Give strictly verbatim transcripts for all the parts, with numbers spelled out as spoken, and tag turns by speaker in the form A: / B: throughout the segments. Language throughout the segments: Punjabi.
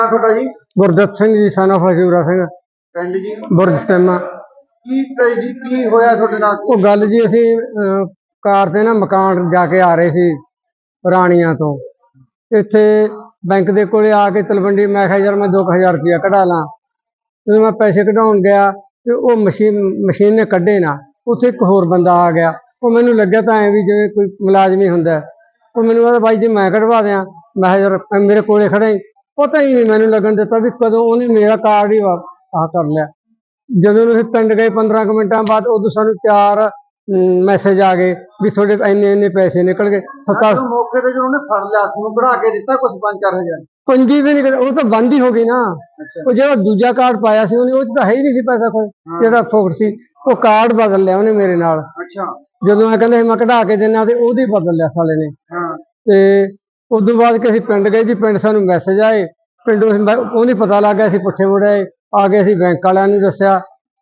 A: ਤੁਹਾਡਾ ਜੀ?
B: ਗੁਰਦਿੱਤ ਸਿੰਘ ਜੀ, son of ਹਜੂਰਾ ਸਿੰਘ,
A: ਪਿੰਡ ਜੀ
B: ਬੁਰਜ ਸਟੈਮਾ।
A: ਕੀ ਟ੍ਰੈਜਡੀ ਕੀ ਹੋਇਆ ਤੁਹਾਡੇ ਨਾਲ?
B: ਉਹ ਗੱਲ ਜੀ, ਅਸੀਂ ਅਹ, ਕਾਰ ਤੇ ਨਾ ਮਕਾਨ ਜਾ ਕੇ ਆ ਰਹੇ ਸੀ ਰਾਣੀਆਂ ਤੋਂ। ਇੱਥੇ ਬੈਂਕ ਦੇ ਕੋਲੇ ਆ ਕੇ ਤਲਵੰਡੀ ਮੈਂ ਕਿਹਾ ਯਾਰ ਮੈਂ ਦੋ ਕੁ ਹਜ਼ਾਰ ਰੁਪਇਆ ਕਢਾ ਲਾਂ। ਜਦੋਂ ਮੈਂ ਪੈਸੇ ਕਢਾਉਣ ਗਿਆ ਤੇ ਉਹ ਮਸ਼ੀਨ ਮਸ਼ੀਨ ਨੇ ਕੱਢੇ ਨਾ। ਉੱਥੇ ਇੱਕ ਹੋਰ ਬੰਦਾ ਆ ਗਿਆ। ਉਹ ਮੈਨੂੰ ਲੱਗਿਆ ਤਾਂ ਐਂ ਵੀ ਜਿਵੇਂ ਕੋਈ ਮੁਲਾਜ਼ਮ ਹੀ ਹੁੰਦਾ। ਉਹ ਮੈਨੂੰ ਕਹਿੰਦਾ ਬਾਈ ਜੀ ਮੈਂ ਕਢਵਾ ਦਿਆਂ। ਮੈਂ ਕਿਹਾ ਯਾਰ ਮੇਰੇ ਕੋਲੇ ਖੜਾ ਹੀ, ਪਤਾ ਹੀ ਨਹੀਂ ਮੈਨੂੰ ਲੱਗਣ ਦਿੱਤਾ ਵੀ ਕਦੋਂ ਉਹਨੇ ਮੇਰਾ ਕਾਰਡ ਹੀ ਆਹ ਕਰ ਲਿਆ। ਜਦੋਂ ਅਸੀਂ ਪਿੰਡ ਗਏ ਪੰਦਰਾਂ ਕੁ ਮਿੰਟਾਂ ਬਾਅਦ ਉਦੋਂ ਸਾਨੂੰ ਚਾਰ ਮੈਸੇਜ ਆ ਗਏ ਵੀ ਤੁਹਾਡੇ ਇੰਨੇ ਇੰਨੇ ਪੈਸੇ ਨਿਕਲ ਗਏ। ਸੱਤਾ
A: ਮੌਕੇ ਤੇ ਜਦੋਂ ਉਹਨੇ ਫੜ ਲਿਆ ਤੁਹਾਨੂੰ ਕਢਾ ਕੇ ਦਿੱਤਾ ਕੁਛ ਪੰਜ ਚਾਰ ਹਜ਼ਾਰ?
B: ਪੰਜੀ ਵੀ ਨਹੀਂ, ਉਹ ਤਾਂ ਬੰਦ ਹੀ ਹੋ ਗਈ ਨਾ। ਉਹ ਜਿਹੜਾ ਦੂਜਾ ਕਾਰਡ ਪਾਇਆ ਸੀ ਉਹਨੇ, ਉਹ 'ਚ ਤਾਂ ਹੈ ਹੀ ਨਹੀਂ ਸੀ ਪੈਸਾ ਕੋਈ, ਜਿਹੜਾ ਫੋਕਟ ਸੀ। ਉਹ ਕਾਰਡ ਬਦਲ ਲਿਆ ਉਹਨੇ ਮੇਰੇ ਨਾਲ।
A: ਅੱਛਾ।
B: ਜਦੋਂ ਮੈਂ ਕਹਿੰਦਾ ਸੀ ਮੈਂ ਕਢਾ ਕੇ ਦਿੰਦਾ ਤੇ ਉਹਦੀ ਬਦਲ ਲਿਆ ਸਾਲੇ ਨੇ। ਤੇ ਉਦੋਂ ਬਾਅਦ ਕਿ ਅਸੀਂ ਪਿੰਡ ਗਏ ਜੀ। ਪਿੰਡ ਸਾਨੂੰ ਮੈਸੇਜ ਆਏ, ਪਿੰਡੋਂ ਉਹ ਨਹੀਂ ਪਤਾ ਲੱਗ ਗਿਆ। ਅਸੀਂ ਪੁੱਛੇ ਮੁੜੇ ਆ ਗਏ, ਅਸੀਂ ਬੈਂਕ ਵਾਲਿਆਂ ਨੂੰ ਦੱਸਿਆ।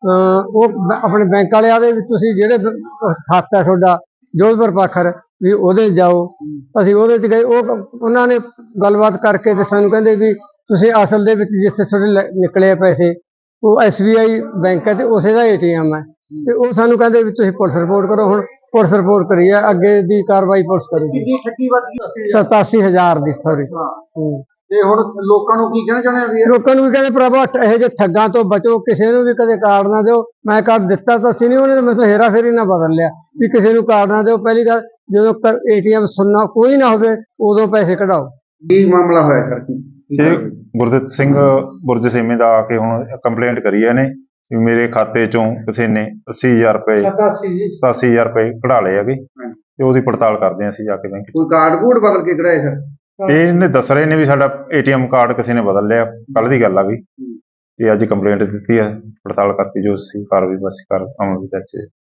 B: ਉਹ ਆਪਣੇ ਬੈਂਕ ਵਾਲੇ ਆਦੇ ਵੀ ਤੁਸੀਂ ਜਿਹੜੇ ਖਾਤਾ ਤੁਹਾਡਾ ਜੋਧਪੁਰ ਪਾਖਰ ਵੀ ਉਹਦੇ ਜਾਓ। ਅਸੀਂ ਉਹਦੇ 'ਚ ਗਏ। ਉਹ ਉਹਨਾਂ ਨੇ ਗੱਲਬਾਤ ਕਰਕੇ ਤੇ ਸਾਨੂੰ ਕਹਿੰਦੇ ਵੀ ਤੁਸੀਂ ਅਸਲ ਦੇ ਵਿੱਚ ਜਿੱਥੇ ਤੁਹਾਡੇ ਨਿਕਲੇ ਪੈਸੇ ਉਹ ਐਸ ਬੀ ਆਈ ਬੈਂਕ ਹੈ ਤੇ ਉਸੇ ਦਾ ਏ ਟੀ ਐਮ ਹੈ। ਤੇ ਉਹ ਸਾਨੂੰ ਕਹਿੰਦੇ ਵੀ ਤੁਸੀਂ ਪੁਲਿਸ ਰਿਪੋਰਟ ਕਰੋ। ਹੁਣ ਪੁਲਿਸ ਰਿਪੋਰਟ ਕਰੀ ਹੈ, ਅੱਗੇ ਦੀ ਕਾਰਵਾਈ ਪੁਲਿਸ ਕਰੇਗੀ। ਸਤਾਸੀ ਹਜ਼ਾਰ ਦੀ ਸੌਰੀ।
A: ਤੇ ਹੁਣ ਲੋਕਾਂ ਨੂੰ ਕੀ ਕਹਿਣਾ ਚਾਹੁੰਦੇ ਆ?
B: ਲੋਕਾਂ ਨੂੰ ਵੀ ਕਹਿੰਦੇ ਭਰਾਵਾ ਇਹੋ ਜਿਹੇ ਠੱਗਾਂ ਤੋਂ ਬਚੋ, ਕਿਸੇ ਨੂੰ ਵੀ ਕਦੇ ਕਾਰਡ ਨਾ ਦਿਓ। ਮੈਂ ਕਾਰਡ ਦਿੱਤਾ ਤਾਂ ਸੀ ਨਹੀਂ, ਉਹਨੇ ਮੈਨੂੰ ਹੇਰਾ ਫੇਰੀ ਨਾ ਬਦਲ ਲਿਆ ਵੀ ਕਿਸੇ ਨੂੰ ਕਾਰਡ ਨਾ ਦਿਓ। ਪਹਿਲੀ ਗੱਲ, ਜਦੋਂ ਏ ਟੀ ਐਮ ਸੁਣਨਾ ਕੋਈ ਨਾ ਹੋਵੇ ਉਦੋਂ ਪੈਸੇ ਕਢਾਓ।
A: ਕੀ ਮਾਮਲਾ ਹੋਇਆ ਸਰ?
C: ਇਹ ਗੁਰਦਿੱਤ ਸਿੰਘ ਬੁਰਜ ਸੇਮੇ ਦਾ ਆ ਕੇ ਹੁਣ ਕੰਪਲੇਂਟ ਕਰੀ ਹੈ ਨੇ ਵੀ ਮੇਰੇ ਖਾਤੇ ਚੋਂ ਕਿਸੇ ਨੇ ਅੱਸੀ ਹਜ਼ਾਰ ਰੁਪਏ ਸਤਾਸੀ ਹਜ਼ਾਰ ਰੁਪਏ ਕਢਾ ਲਏ ਹੈਗੇ ਤੇ ਉਹਦੀ ਪੜਤਾਲ ਕਰਦੇ ਹਾਂ ਅਸੀਂ ਜਾ ਕੇ ਬੈਂਕ।
A: ਕੋਈ ਕਾਰਡ ਕੂਡ ਬਦਲ ਕੇ ਕਢਾਏ ਸਰ?
C: ਇਹਨੇ ਦੱਸ ਰਹੇ ਨੇ ਵੀ ਸਾਡਾ ਏ ਟੀ ਐਮ ਕਾਰਡ ਕਿਸੇ ਨੇ ਬਦਲ ਲਿਆ। ਕੱਲ ਦੀ ਗੱਲ ਆ ਗਈ। ਇਹ ਅੱਜ ਕੰਪਲੇਂਟ ਦਿੱਤੀ ਹੈ, ਪੜਤਾਲ ਕਰਕੇ ਜੋ ਅਸੀਂ ਕਾਰਵਾਈ ਬਸ ਕਰ ਅਮਲ ਵਿੱਚ।